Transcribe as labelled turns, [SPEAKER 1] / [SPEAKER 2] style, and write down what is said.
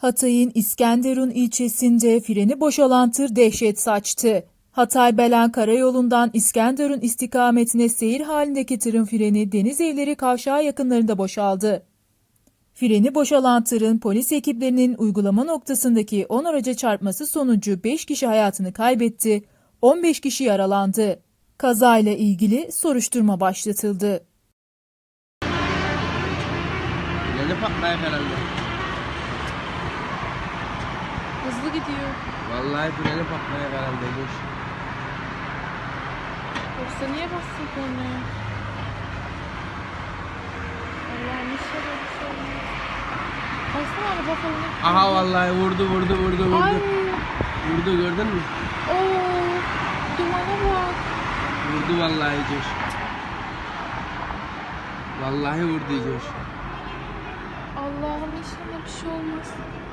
[SPEAKER 1] Hatay'ın İskenderun ilçesinde freni boşalan tır dehşet saçtı. Hatay-Belen Karayolu'ndan İskenderun istikametine seyir halindeki tırın freni Denizevleri kavşağı yakınlarında boşaldı. Freni boşalan tırın polis ekiplerinin uygulama noktasındaki 10 araca çarpması sonucu 5 kişi hayatını kaybetti, 15 kişi yaralandı. Kazayla ilgili soruşturma başlatıldı.
[SPEAKER 2] Freni patlayak herhalde.
[SPEAKER 3] Hızlı gidiyor.
[SPEAKER 2] Vallahi freni patlayak herhalde. Dur.
[SPEAKER 3] Yoksa niye bastın kornaya? Allah'ım inşallah bir şey olmaz. Baksana araba falan.
[SPEAKER 2] Aha vallahi vurdu.
[SPEAKER 3] Ay.
[SPEAKER 2] Vurdu, gördün mü?
[SPEAKER 3] Oo. Dumana bak.
[SPEAKER 2] Vurdu vallahi Coş. Vallahi vurdu Coş.
[SPEAKER 3] Allah'ım inşallah bir şey olmaz.